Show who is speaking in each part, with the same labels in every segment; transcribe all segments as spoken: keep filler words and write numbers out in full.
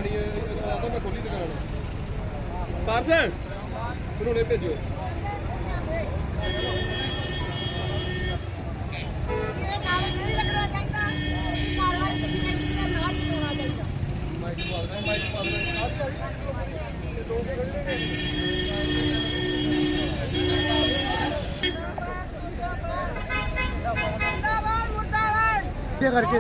Speaker 1: ਗਾੜੀ ਆਦਾ ਮੈਂ ਖੋਲੀ ਦੁਕਾਨ ਪਾਰਸ ਫਿਰ ਹੁਣੇ ਭੇਜਿਓ।
Speaker 2: करके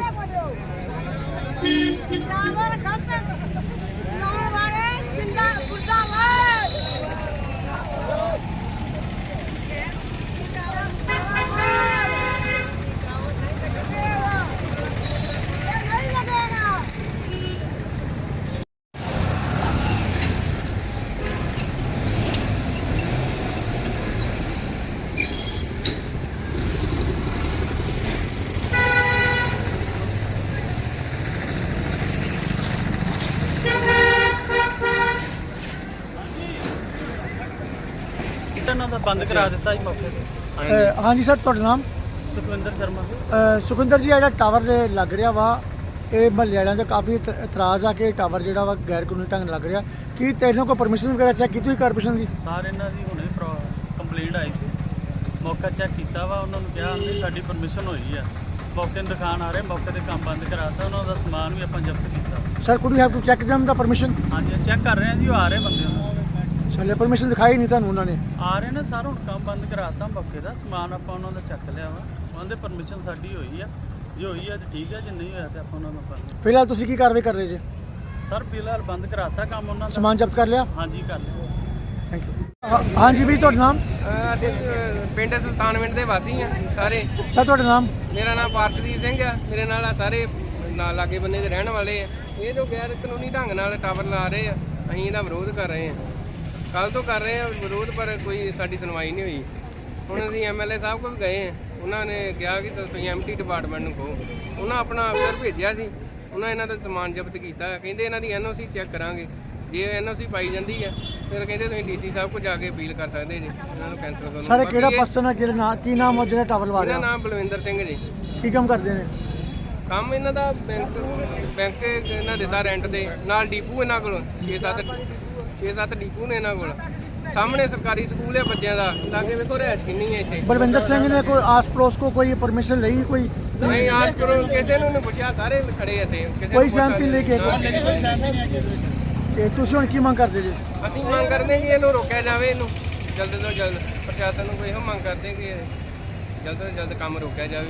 Speaker 3: बंद करा दिता जी मौके पे।
Speaker 2: हाँ जी सर, तुहाडा नाम?
Speaker 3: सुखविंदर शर्मा।
Speaker 2: सुखविंदर जी, ਜਿਹੜਾ ਟਾਵਰ ਲੱਗ ਰਿਹਾ ਵਾ ਇਹ ਮਹੱਲੇ ਵਾਲਿਆਂ ਦਾ ਕਾਫੀ ਇਤਰਾਜ਼ ਆ ਕਿ ਟਾਵਰ ਜਿਹੜਾ ਵਾ ਗੈਰ ਕਾਨੂੰਨੀ ਢੰਗ ਲੱਗ ਰਿਹਾ। ਕੀ ਤੈਨੂੰ ਕੋਈ ਪਰਮਿਸ਼ਨ ਵਗੈਰਾ ਚੈੱਕ ਕੀਤੀ ਹੋਈ ਕਾਰਪੋਰੇਸ਼ਨ ਦੀ?
Speaker 3: ਸਰ ਇਹਨਾਂ ਦੀ ਹੁਣੇ ਕੰਪਲੇਂਟ ਆਈ ਸੀ, ਮੌਕਾ ਚੈੱਕ ਕੀਤਾ ਵਾ, ਉਹਨਾਂ ਨੂੰ ਕਿਹਾ ਨਹੀਂ ਸਾਡੀ ਪਰਮਿਸ਼ਨ ਹੋਈ ਆ। ਮੌਕੇ ਨੂੰ ਦਿਖਾਣ ਆ ਰਹੇ, ਮੌਕੇ ਤੇ ਕੰਮ ਬੰਦ ਕਰਾਤਾ, ਉਹਨਾਂ ਦਾ ਸਮਾਨ ਵੀ ਆਪਾਂ ਜ਼ਬਤ ਕੀਤਾ।
Speaker 2: Sir, could you have to check them ਦਾ ਪਰਮਿਸ਼ਨ?
Speaker 3: ਹਾਂਜੀ ਚੈੱਕ ਕਰ ਰਹੇ ਆ ਜੀ, ਉਹ ਆ ਰਹੇ ਬੰਦੇ ਉਹਨਾਂ
Speaker 2: ਸਾਲੇ ਪਰਮਿਸ਼ਨ ਦਿਖਾਈ ਨਹੀਂ ਤੁਹਾਨੂੰ ਉਹਨਾਂ ਨੇ?
Speaker 3: ਆ ਰਹੇ ਨੇ ਸਰ, ਹੁਣ ਕੰਮ ਬੰਦ ਕਰਾਤਾ ਮੌਕੇ ਦਾ, ਸਮਾਨ ਆਪਾਂ ਉਹਨਾਂ ਦਾ ਚੱਕ ਲਿਆ ਵਾ। ਉਹਨਾਂ ਦੇ ਪਰਮਿਸ਼ਨ ਸਾਡੀ ਹੋਈ ਆ, ਜੇ ਹੋਈ ਆ ਤੇ ਠੀਕ ਆ, ਜੇ ਨਹੀਂ ਹੋਇਆ ਤੇ ਆਪਾਂ ਉਹਨਾਂ ਨੂੰ ਆਪਾਂ
Speaker 2: ਫਿਲਹਾਲ ਤੁਸੀਂ ਕੀ ਕਾਰਵਾਈ ਕਰ ਰਹੇ ਜੀ?
Speaker 3: ਸਰ ਫਿਲਹਾਲ ਬੰਦ ਕਰਾਤਾ ਕੰਮ ਉਹਨਾਂ ਦਾ।
Speaker 2: ਸਮਾਨ ਜ਼ਬਤ ਕਰ ਲਿਆ?
Speaker 3: ਹਾਂਜੀ ਕਰ ਲਿਆ।
Speaker 2: Thank you. ਹਾਂਜੀ ਵੀ ਤੁਹਾਡਾ ਨਾਮ?
Speaker 4: ਅਸੀਂ ਪਿੰਡ ਸੁਲਤਾਨਵਿੰਡ ਦੇ ਵਾਸੀ ਆ ਸਾਰੇ।
Speaker 2: ਸਰ ਤੁਹਾਡਾ ਨਾਮ?
Speaker 4: ਮੇਰਾ ਨਾਮ ਪਾਰਸ਼ਦੀਪ ਸਿੰਘ ਆ, ਮੇਰੇ ਨਾਲ ਆ ਸਾਰੇ ਨਾਲ ਲਾਗੇ ਬੰਨੇ ਦੇ ਰਹਿਣ ਵਾਲੇ ਆ। ਇਹ ਜੋ ਗੈਰ ਕਾਨੂੰਨੀ ਢੰਗ ਨਾਲ ਟਾਵਰ ਲਾ ਰਹੇ ਆ, ਅਸੀਂ ਇਹਦਾ ਵਿਰੋਧ ਕਰ ਰਹੇ ਆ, ਕੱਲ ਤੋਂ ਕਰ ਰਹੇ ਆ ਵਿਰੋਧ, ਪਰ ਕੋਈ ਸਾਡੀ ਸੁਣਵਾਈ ਨਹੀਂ ਹੋਈ। ਹੁਣ ਅਸੀਂ ਐਮ ਐਲ ਏ ਸਾਹਿਬ ਕੋਲ ਗਏ ਆ, ਉਹਨਾਂ ਨੇ ਕਿਹਾ ਕਿ ਤੁਸੀਂ ਐਮ ਟੀ ਡਿਪਾਰਟਮੈਂਟ ਨੂੰ ਕਹੋ। ਉਹਨਾਂ ਆਪਣਾ ਅਫਸਰ ਭੇਜਿਆ ਸੀ, ਉਹਨਾਂ ਇਹਨਾਂ ਦਾ ਸਮਾਨ ਜ਼ਬਤ ਕੀਤਾ, ਕਹਿੰਦੇ ਇਹਨਾਂ ਦੀ ਐਨ ਓ ਸੀ ਚੈੱਕ ਕਰਾਂਗੇ, ਜੇ ਐਨ ਓ ਸੀ ਪਾਈ ਜਾਂਦੀ ਆ ਫਿਰ ਕਹਿੰਦੇ ਤੁਸੀਂ ਡੀ ਸੀ ਸਾਹਿਬ ਕੋਲ ਜਾ ਕੇ ਅਪੀਲ ਕਰ ਸਕਦੇ ਜੀ, ਇਹਨਾਂ ਨੂੰ ਕੈਂਸਲ ਕਰੋ।
Speaker 2: ਸਰ ਕਿਹੜਾ ਪਰਸਨ ਹੈ, ਕਿਹੜਾ ਨਾਮ, ਕੀ ਨਾਮ ਹੈ ਜਿਹੜਾ ਟਾਵਰ ਲਵਾ ਰਿਹਾ?
Speaker 4: ਇਹਦਾ ਨਾਮ ਬਲਵਿੰਦਰ ਸਿੰਘ ਜੀ।
Speaker 2: ਕੀ ਕੰਮ ਕਰਦੇ ਨੇ?
Speaker 4: ਕੰਮ ਇਹਨਾਂ ਦਾ ਬੈਂਕ ਬੈਂਕ ਇਹਨਾਂ ਦਿੱਤਾ ਰੈਂਟ ਦੇ ਨਾਲ, ਡੀਪੂ ਇਹਨਾਂ ਕੋਲ ਛੇ ਸੱਤ ਛੇ ਸੱਤ ਡੀਪੂ ਨੇ ਇਹਨਾਂ ਕੋਲ। ਸਾਹਮਣੇ ਸਰਕਾਰੀ ਸਕੂਲ ਹੈ ਬੱਚਿਆਂ ਦਾ, ਲਾਗੇ ਵੇਖੋ ਰਿਹਾਇਸ਼ ਕਿੰਨੀ ਹੈ ਇੱਥੇ।
Speaker 2: ਬਲਵਿੰਦਰ ਸਿੰਘ ਨੇ ਕੋਈ ਆਸ ਪੜੋਸ ਕੋ ਕੋਈ ਪਰਮਿਸ਼ਨ ਲਈ? ਕੋਈ
Speaker 4: ਨਹੀਂ ਆਸ ਕਰੋ, ਕਿਸੇ ਨੂੰ ਨਹੀਂ ਪੁੱਛਿਆ, ਸਾਰੇ ਖੜੇ ਇੱਥੇ, ਕਿਸੇ
Speaker 2: ਕੋਈ
Speaker 4: ਨੂੰ
Speaker 2: ਸਹਿਮਤੀ ਲੈ ਕੇ?
Speaker 4: ਨਾ, ਕੋਈ ਸਹਿਮਤੀ ਨਹੀਂ ਹੈ।
Speaker 2: ਤੇ ਤੁਸੀਂ ਹੁਣ ਕੀ ਮੰਗ ਕਰਦੇ ਜੀ?
Speaker 4: ਅਸੀਂ ਮੰਗ ਕਰਦੇ ਕਿ ਇਹਨੂੰ ਰੋਕਿਆ ਜਾਵੇ, ਇਹਨੂੰ ਜਲਦ ਤੋਂ ਜਲਦ ਪ੍ਰਸ਼ਾਸਨ ਨੂੰ ਕੋਈ ਇਹੋ ਮੰਗ ਕਰਦੇ ਕਿ ਜਲਦ ਤੋਂ ਜਲਦ ਕੰਮ ਰੋਕਿਆ ਜਾਵੇ।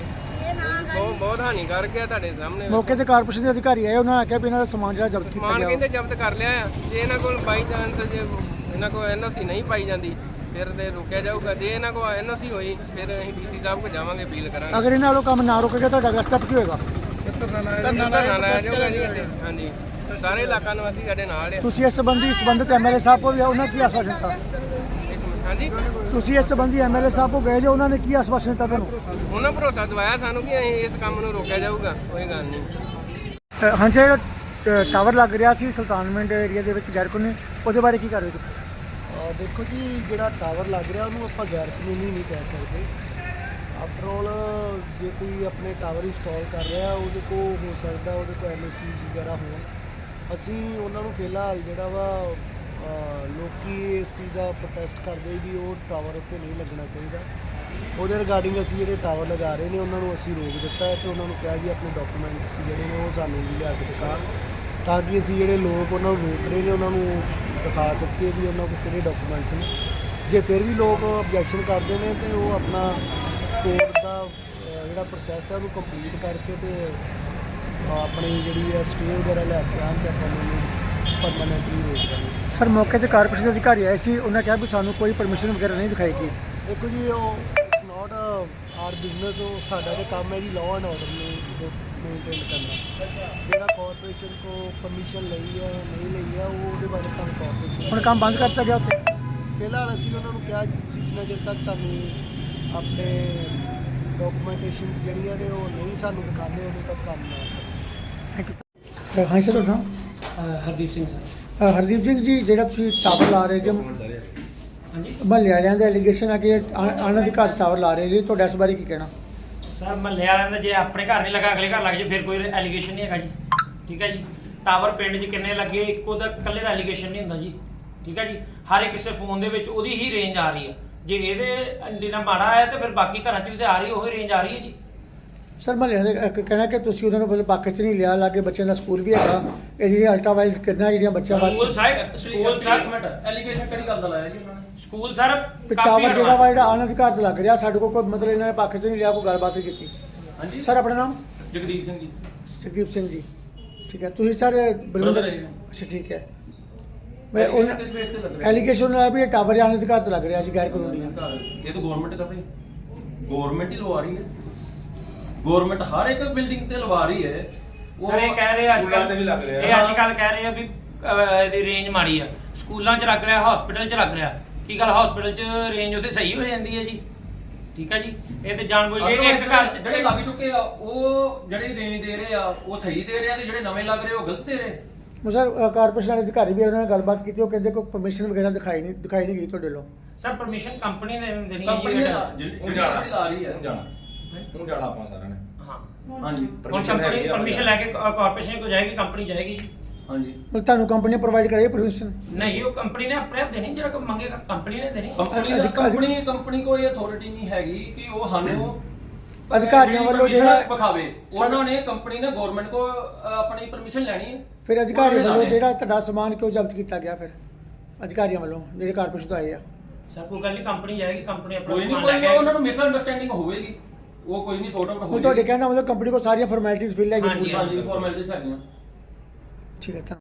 Speaker 4: ਬਹੁਤ ਬਹੁਤ ਹਾਨੀਕਾਰਕ ਹੈ ਤੁਹਾਡੇ ਸਾਹਮਣੇ।
Speaker 2: ਮੌਕੇ ਤੇ ਕਾਰਪੋਰੇਸ਼ਨ ਦੇ ਅਧਿਕਾਰੀ ਆਏ, ਉਹਨਾਂ ਨੇ ਆਖਿਆ ਵੀ ਇਹਨਾਂ ਦਾ ਸਮਾਨ ਜਿਹੜਾ ਜ਼ਬਤ ਕੀਤਾ
Speaker 4: ਸਮਾਨ
Speaker 2: ਗਿਆ।
Speaker 4: ਕਹਿੰਦੇ ਜ਼ਬਤ ਕਰ ਲਿਆ ਆ, ਜੇ ਇਹਨਾਂ ਕੋਲ ਬਾਈ ਚਾਂਸ ਜੇ ਇਹਨਾਂ ਕੋਲ ਐਨ ਓ ਸੀ ਨਹੀਂ ਪਾਈ ਜਾਂਦੀ ਫਿਰ ਤੇ ਰੋਕਿਆ ਜਾਊਗਾ। ਜੇ ਇਹਨਾਂ ਕੋਲ ਐਨ ਓ ਸੀ ਹੋਈ ਫਿਰ ਅਸੀਂ ਡੀ ਸੀ ਸਾਹਿਬ ਕੋਲ ਜਾਵਾਂਗੇ, ਅਪੀਲ ਕਰਾਂਗੇ।
Speaker 2: ਅਗਰ ਇਹਨਾਂ ਵੱਲੋਂ ਕੰਮ ਨਾ ਰੁਕੇਗਾ ਤੁਹਾਡਾ ਅਗਲਾ ਸਟੈਪ ਕੀ ਹੋਏਗਾ?
Speaker 4: ਧਰਨਾ ਲਾਇਆ ਜਾਊਗਾ ਜੀ ਇੱਥੇ। ਹਾਂਜੀ, ਸਾਰੇ ਇਲਾਕਾ ਨਿਵਾਸੀ ਸਾਡੇ ਨਾਲ ਆ।
Speaker 2: ਤੁਸੀਂ ਇਸ ਸੰਬੰਧੀ ਸੰਬੰਧਿਤ ਐਮ ਐਲ ਏ ਸਾਹਿਬ ਕੋਲ ਵੀ ਉਹਨਾਂ ਕੀ ਆਸ਼ਵਾਸਨ ਦਿੱਤਾ?
Speaker 4: ਹਾਂਜੀ,
Speaker 2: ਤੁਸੀਂ ਇਸ ਸੰਬੰਧੀ ਐਮ ਐਲ ਏ ਸਾਹਿਬ ਕੋਲ ਗਏ ਜੋ, ਉਹਨਾਂ ਨੇ ਕੀ ਆਸ਼ਵਾਸਨ ਦਿੱਤਾ ਤੁਹਾਨੂੰ?
Speaker 4: ਉਹਨਾਂ ਭਰੋਸਾ ਦਵਾਇਆ ਸਾਨੂੰ ਕਿ ਅਸੀਂ ਇਸ ਕੰਮ ਨੂੰ ਰੋਕਿਆ ਜਾਊਗਾ, ਕੋਈ ਗੱਲ ਨਹੀਂ।
Speaker 2: ਹਾਂ, ਜਿਹੜਾ ਟਾਵਰ ਲੱਗ ਰਿਹਾ ਸੀ ਸੁਲਤਾਨਵਿੰਡ ਏਰੀਆ ਦੇ ਵਿੱਚ ਗੈਰ ਕਾਨੂੰਨੀ, ਉਹਦੇ ਬਾਰੇ ਕੀ ਕਾਰਵਾਈ ਕੀਤੀ?
Speaker 5: ਦੇਖੋ ਜੀ, ਜਿਹੜਾ ਟਾਵਰ ਲੱਗ ਰਿਹਾ ਉਹਨੂੰ ਆਪਾਂ ਗੈਰ ਕਾਨੂੰਨੀ ਨਹੀਂ ਕਹਿ ਸਕਦੇ। ਆਫਟਰ ਆਲ ਜੇ ਕੋਈ ਆਪਣੇ ਟਾਵਰ ਇੰਸਟਾਲ ਕਰ ਰਿਹਾ ਉਹਦੇ ਕੋਲ ਹੋ ਸਕਦਾ ਉਹਦੇ ਕੋਲ ਐਨ ਓ ਸੀ ਵਗੈਰਾ ਹੋਣ। ਅਸੀਂ ਉਹਨਾਂ ਨੂੰ ਫਿਲਹਾਲ ਜਿਹੜਾ ਵਾ ਲੋਕੀ ਇਸ ਚੀਜ਼ ਦਾ ਪ੍ਰੋਟੈਸਟ ਕਰਦੇ ਵੀ ਉਹ ਟਾਵਰ ਉੱਤੇ ਨਹੀਂ ਲੱਗਣਾ ਚਾਹੀਦਾ। ਉਹਦੇ ਰਿਗਾਰਡਿੰਗ ਅਸੀਂ ਜਿਹੜੇ ਟਾਵਰ ਲਗਾ ਰਹੇ ਨੇ ਉਹਨਾਂ ਨੂੰ ਅਸੀਂ ਰੋਕ ਦਿੱਤਾ ਹੈ ਤੇ ਉਹਨਾਂ ਨੂੰ ਕਿਹਾ ਜੀ ਆਪਣੇ ਡਾਕੂਮੈਂਟ ਜਿਹੜੇ ਨੇ ਉਹ ਸਾਨੂੰ ਲਿਆ ਕੇ ਦਿਖਾਉਣ, ਤਾਂ ਕਿ ਅਸੀਂ ਜਿਹੜੇ ਲੋਕ ਉਹਨਾਂ ਨੂੰ ਰੋਕ ਰਹੇ ਨੇ ਉਹਨਾਂ ਨੂੰ ਦਿਖਾ ਸਕੀਏ ਵੀ ਉਹਨਾਂ ਕੋਲ ਕਿਹੜੇ ਡਾਕੂਮੈਂਟਸ ਨੇ। ਜੇ ਫਿਰ ਵੀ ਲੋਕ ਆਬਜੈਕਸ਼ਨ ਕਰਦੇ ਨੇ ਤੇ ਉਹ ਆਪਣਾ ਕੋਰਟ ਦਾ ਜਿਹੜਾ ਪ੍ਰੋਸੈਸ ਹੈ ਉਹਨੂੰ ਕੰਪਲੀਟ ਕਰਕੇ ਤੇ ਆਪਣੀ ਜਿਹੜੀ ਹੈ ਸਟੇ ਵਗੈਰਾ ਲੈ ਕੇ ਆਉਣ ਤੇ ਆਪਾਂ ਉਹਨੂੰ ਪਰਮਾਨੈਂਟਲੀ ਰੋਕ ਦਾਂਗੇ।
Speaker 2: ਸਰ, ਮੌਕੇ ਤੇ ਕਾਰਪੋਰੇਸ਼ਨ ਦੇ ਅਧਿਕਾਰੀ ਆਏ ਸੀ, ਉਹਨਾਂ ਕਿਹਾ ਵੀ ਸਾਨੂੰ ਕੋਈ ਪਰਮਿਸ਼ਨ ਵਗੈਰਾ ਨਹੀਂ ਦਿਖਾਈ ਗਈ।
Speaker 5: ਦੇਖੋ ਜੀ, ਉਹ ਇਟਸ ਨਾਟ ਆਰ ਬਿਜ਼ਨਸ, ਉਹ ਸਾਡਾ ਤੇ ਕੰਮ ਹੈ ਜੀ ਲਾਅ ਐਂਡ ਆਰਡਰ ਨੂੰ ਮੇਨਟੇਨ ਕਰਨਾ। ਜਿਹੜਾ ਕਾਰਪੋਰੇਸ਼ਨ ਕੋ ਪਰਮਿਸ਼ਨ ਲਈ ਹੈ ਨਹੀਂ ਲਈ ਹੈ ਉਹ ਉਹਦੇ ਬਾਰੇ ਤੁਹਾਨੂੰ ਕਾਰਪੋਰੇਸ਼ਨ
Speaker 2: ਹੁਣ ਕੰਮ ਬੰਦ ਕਰ ਦਿੱਤਾ ਗਿਆ ਉੱਥੇ?
Speaker 5: ਫਿਲਹਾਲ ਅਸੀਂ ਉਹਨਾਂ ਨੂੰ ਕਿਹਾ ਜੀ ਤੁਸੀਂ ਜਿੰਨਾ ਚਿਰ ਤੱਕ ਤੁਹਾਨੂੰ ਆਪਣੇ ਡਾਕੂਮੈਂਟੇਸ਼ਨ ਜਿਹੜੀਆਂ ਨੇ ਉਹ ਨਹੀਂ ਸਾਨੂੰ ਦਿਖਾਉਂਦੇ ਉਦੋਂ ਤੱਕ ਕੰਮ ਨਾ ਕਰੋ।
Speaker 2: Thank you. ਹਾਂ ਸਰ, ਤੁਹਾਡਾ ਨਾਮ?
Speaker 6: ਹਰਦੀਪ ਸਿੰਘ ਸਰ।
Speaker 2: ਅ, ਹਰਦੀਪ ਸਿੰਘ ਜੀ, ਜਿਹੜਾ ਤੁਸੀਂ ਟਾਵਰ ਲਾ ਰਹੇ ਜੀ
Speaker 6: ਹਾਂਜੀ
Speaker 2: ਮਹੱਲੇ ਵਾਲਿਆਂ ਦਾ ਐਲੀਗੇਸ਼ਨ ਹੈ ਕਿ ਅਣਅਧਿਕਾਰਤ ਟਾਵਰ ਲਾ ਰਹੇ ਜੀ, ਤੁਹਾਡਾ ਇਸ ਬਾਰੇ ਕੀ ਕਹਿਣਾ?
Speaker 6: ਸਰ, ਮਹੱਲੇ ਵਾਲਿਆਂ ਦਾ ਜੇ ਆਪਣੇ ਘਰ ਨਹੀਂ ਲੱਗਾ ਅਗਲੇ ਘਰ ਲੱਗ ਜੇ ਫਿਰ ਕੋਈ ਐਲੀਗੇਸ਼ਨ ਨਹੀਂ ਹੈਗਾ ਜੀ, ਠੀਕ ਹੈ ਜੀ।
Speaker 7: ਟਾਵਰ ਪਿੰਡ 'ਚ ਕਿੰਨੇ ਲੱਗੇ ਇੱਕੋ ਦਾ ਇਕੱਲੇ ਦਾ ਐਲੀਗੇਸ਼ਨ ਨਹੀਂ ਹੁੰਦਾ ਜੀ, ਠੀਕ ਹੈ ਜੀ। ਹਰ ਇੱਕ ਕਿਸੇ ਫੋਨ ਦੇ ਵਿੱਚ ਉਹਦੀ ਹੀ ਰੇਂਜ ਆ ਰਹੀ ਹੈ। ਜੇ ਇਹਦੇ ਐਂਟੀਨਾ ਮਾੜਾ ਆਇਆ ਤੇ ਫਿਰ ਬਾਕੀ ਘਰਾਂ 'ਚ ਵੀ ਤੇ ਆ ਰਹੀ ਉਹੀ ਰੇਂਜ ਆ ਰਹੀ ਹੈ ਜੀ।
Speaker 2: ਸਰ ਮੈਂ ਕਹਿਣਾ ਕਿ ਤੁਸੀਂ ਉਹਨਾਂ ਨੂੰ ਪਹਿਲੇ ਪੱਖ 'ਚ ਨਹੀਂ ਲਿਆ, ਲਾਗੇ ਬੱਚਿਆਂ ਦਾ ਸਕੂਲ ਵੀ ਹੈਗਾ, ਇਹ ਜਿਹੜੀਆਂ ਅਲਟਰਾਵਾਇਲਸ ਕਿਰਨਾਂ ਜਿਹੜੀਆਂ ਬੱਚਿਆਂ
Speaker 7: ਸਕੂਲ
Speaker 2: ਵਾਸਤੇ
Speaker 7: ਸਾਹਿਬ ਸਕੂਲ ਸਾਹਿਬ
Speaker 6: ਮਿੰਟ ਐਲੀਗੇਸ਼ਨ ਕਿਹੜੀ ਗੱਲ ਦਾ ਲਾਇਆ ਜੀ ਉਹਨਾਂ ਨੇ?
Speaker 7: ਸਕੂਲ ਸਰ
Speaker 2: ਟਾਵਰ ਜਿਹੜਾ ਵਾ ਜਿਹੜਾ ਅਨਅਧਿਕਾਰਤ ਲੱਗ ਰਿਹਾ, ਸਾਡੇ ਕੋਲ ਕੋਈ ਮਤਲਬ ਇਹਨਾਂ ਨੇ ਪੱਖ 'ਚ ਨਹੀਂ ਲਿਆ, ਕੋਈ ਗੱਲਬਾਤ ਨਹੀਂ ਕੀਤੀ।
Speaker 6: ਹਾਂਜੀ
Speaker 2: ਸਰ ਆਪਣਾ ਨਾਮ?
Speaker 6: ਜਗਦੀਪ ਸਿੰਘ ਜੀ।
Speaker 2: ਜਗਦੀਪ ਸਿੰਘ ਜੀ, ਠੀਕ ਹੈ। ਤੁਸੀਂ ਸਰ ਬਲਵਿੰਦਰ, ਅੱਛਾ ਠੀਕ ਹੈ। ਮੈਂ ਉਹਨਾਂ
Speaker 6: ਕਿਸ ਬੇਸ ਤੇ ਲੱਗ ਰਿਹਾ?
Speaker 2: ਐਲੀਗੇਸ਼ਨ ਲਾਇਆ ਵੀ ਇਹ ਟਾਵਰ ਜਾਂ ਅਨਅਧਿਕਾਰਤ ਲੱਗ ਰਿਹਾ ਜੀ, ਗੈਰ ਕਾਨੂੰਨੀ ਹੈ।
Speaker 6: ਇਹ ਤਾਂ ਗਵਰਨਮੈਂਟ ਦਾ ਭਾਈ, ਗਵਰਨਮੈਂਟ ਹੀ ਲਵਾ ਰਹੀ ਹੈ। ਗਵਰਨਮੈਂਟ ਹਰ ਇੱਕ ਬਿਲਡਿੰਗ ਤੇ ਲਵਾ ਰਹੀ ਹੈ।
Speaker 7: ਸਰ ਇਹ ਕਹਿ ਰਹੇ ਅੱਜ
Speaker 1: ਸਕੂਲਾਂ ਤੇ ਵੀ ਲੱਗ ਰਿਹਾ।
Speaker 7: ਇਹ ਅੱਜ ਕੱਲ ਕਹਿ ਰਹੇ ਆ ਵੀ ਅਹ, ਇਹਦੀ ਰੇਂਜ ਮਾੜੀ ਆ, ਸਕੂਲਾਂ 'ਚ ਲੱਗ ਰਿਹਾ, ਹਸਪੀਟਲ 'ਚ ਲੱਗ ਰਿਹਾ। ਕੀ ਗੱਲ ਹਸਪੀਟਲ 'ਚ ਰੇਂਜ ਉਹਦੇ ਸਹੀ ਹੋ ਜਾਂਦੀ ਹੈ ਜੀ, ਠੀਕ ਹੈ ਜੀ। ਇਹ ਤੇ ਜਾਣ ਬੁੱਝ ਕੇ ਇੱਕ ਘਰ 'ਚ
Speaker 6: ਜਿਹੜੇ ਲੱਗ ਚੁੱਕੇ ਆ ਉਹ ਜਿਹੜੇ ਰੇਂਜ ਦੇ ਰਹੇ ਆ ਉਹ ਸਹੀ ਦੇ ਰਹੇ ਆ, ਤੇ ਜਿਹੜੇ ਨਵੇਂ ਲੱਗ ਰਹੇ ਉਹ ਗਲਤ ਦੇ ਰਹੇ।
Speaker 2: ਸਰ ਕਾਰਪੋਰੇਸ਼ਨ ਵਾਲੇ ਅਧਿਕਾਰੀ ਵੀ ਉਹਨਾਂ ਨਾਲ ਗੱਲਬਾਤ ਕੀਤੀ, ਉਹ ਕਹਿੰਦੇ ਕੋਈ ਪਰਮਿਸ਼ਨ ਵਗੈਰਾ ਦਿਖਾਈ ਨਹੀਂ ਦਿਖਾਈ ਨਹੀਂ ਗਈ ਤੁਹਾਡੇ ਵੱਲੋਂ।
Speaker 7: ਸਰ ਪਰਮਿਸ਼ਨ ਕੰਪਨੀ ਨੇ ਦੇਣੀ ਹੈ
Speaker 6: ਕੰਪਨੀ
Speaker 7: ਜੀ
Speaker 6: ਨੇ
Speaker 7: ਇਹ।
Speaker 6: ਜਿਹੜੀ
Speaker 1: ਹੁਣ ਜਾਣਾ
Speaker 6: ਕੰਪਨੀ ਲਾ ਰਹੀ ਹੈ।
Speaker 1: ਹੁਣ ਜਾਣਾ ਹੁਣ ਜਾਣਾ ਆਪਾਂ ਸਾਰਿਆਂ ਨੇ।
Speaker 7: ਹਾਂ
Speaker 6: ਹਾਂਜੀ
Speaker 7: ਹੁਣ
Speaker 1: Permission
Speaker 7: ਕੰਪਨੀ
Speaker 1: ਹੈਗੀ ਆ
Speaker 7: ਪਰਮਿਸ਼ਨ ਲੈ ਕੇ ਕਾਰਪੋਰੇਸ਼ਨ ਕੋ ਜਾਏਗੀ, ਕੰਪਨੀ ਜਾਏਗੀ ਜੀ।
Speaker 6: ਹਾਂਜੀ
Speaker 2: ਮਤਲਬ ਤੁਹਾਨੂੰ ਕੰਪਨੀ ਪ੍ਰੋਵਾਈਡ ਕਰੇਗੀ ਪਰਮਿਸ਼ਨ?
Speaker 7: ਨਹੀਂ ਉਹ ਕੰਪਨੀ ਨੇ ਆਪਣੇ ਆਪ ਦੇਣੀ, ਜਿਹੜਾ ਕੋਈ ਮੰਗੇਗਾ ਕੰਪਨੀ ਨੇ ਦੇਣੀ।
Speaker 6: ਕੰਪਨੀ ਦਾ ਕੰਪਨੀ ਕੰਪਨੀ ਕੋਈ ਅਥਾਰਟੀ ਨਹੀਂ ਹੈਗੀ ਕਿ ਉਹ ਸਾਨੂੰ
Speaker 2: ਅਧਿਕਾਰੀਆਂ ਵੱਲੋਂ ਜਿਹੜਾ
Speaker 6: ਵਿਖਾਵੇ। ਉਹਨਾਂ ਨੇ ਕੰਪਨੀ ਨੇ ਗਵਰਨਮੈਂਟ ਕੋ ਆਪਣੀ ਪਰਮਿਸ਼ਨ ਲੈਣੀ ਹੈ।
Speaker 2: ਫਿਰ ਅਧਿਕਾਰੀ
Speaker 6: ਉਹਨਾਂ ਨੇ
Speaker 2: ਵੱਲੋਂ
Speaker 6: ਲਾਣੇ।
Speaker 2: ਜਿਹੜਾ ਤੁਹਾਡਾ ਸਮਾਨ ਕਿਉਂ ਜ਼ਬਤ ਕੀਤਾ ਗਿਆ ਫਿਰ ਅਧਿਕਾਰੀਆਂ ਵੱਲੋਂ ਜਿਹੜੇ ਕਾਰਪੋਰੇਸ਼ਨ ਤੋਂ ਆਏ ਆ?
Speaker 7: ਸਰ ਕੋਈ ਗੱਲ ਨਹੀਂ, ਕੰਪਨੀ ਜਾਏਗੀ, ਕੰਪਨੀ ਆਪਣਾ
Speaker 6: ਕੋਈ ਨਹੀਂ,
Speaker 7: ਸਮਾਨ ਲੈ
Speaker 6: ਕੋਈ
Speaker 7: ਕੇ
Speaker 6: ਉਹਨਾਂ ਨੂੰ ਮਿਸ ਅੰਡਰਸਟੈਂਡਿੰਗ ਹੋਵੇਗੀ, ਉਹ ਕੋਈ ਨਹੀਂ ਸੌਟ ਆਊਟ
Speaker 2: ਹੁਣ
Speaker 6: ਹੋਵੇਗੀ।
Speaker 2: ਤੁਹਾਡੇ ਕਹਿੰਦਾ ਮਤਲਬ ਕੰਪਨੀ ਕੋਲ ਸਾਰੀਆਂ ਫਾਰਮੈਲਿਟੀਆਂ ਫਿਲ ਹੈਗੀ
Speaker 7: ਹਾਂਜੀ,
Speaker 2: ਪੂਰੀ।
Speaker 6: ਹਾਂਜੀ ਫਾਰਮੈਲਿਟੀਜ਼ ਹੈਗੀਆਂ।
Speaker 2: ਠੀਕ ਹੈ।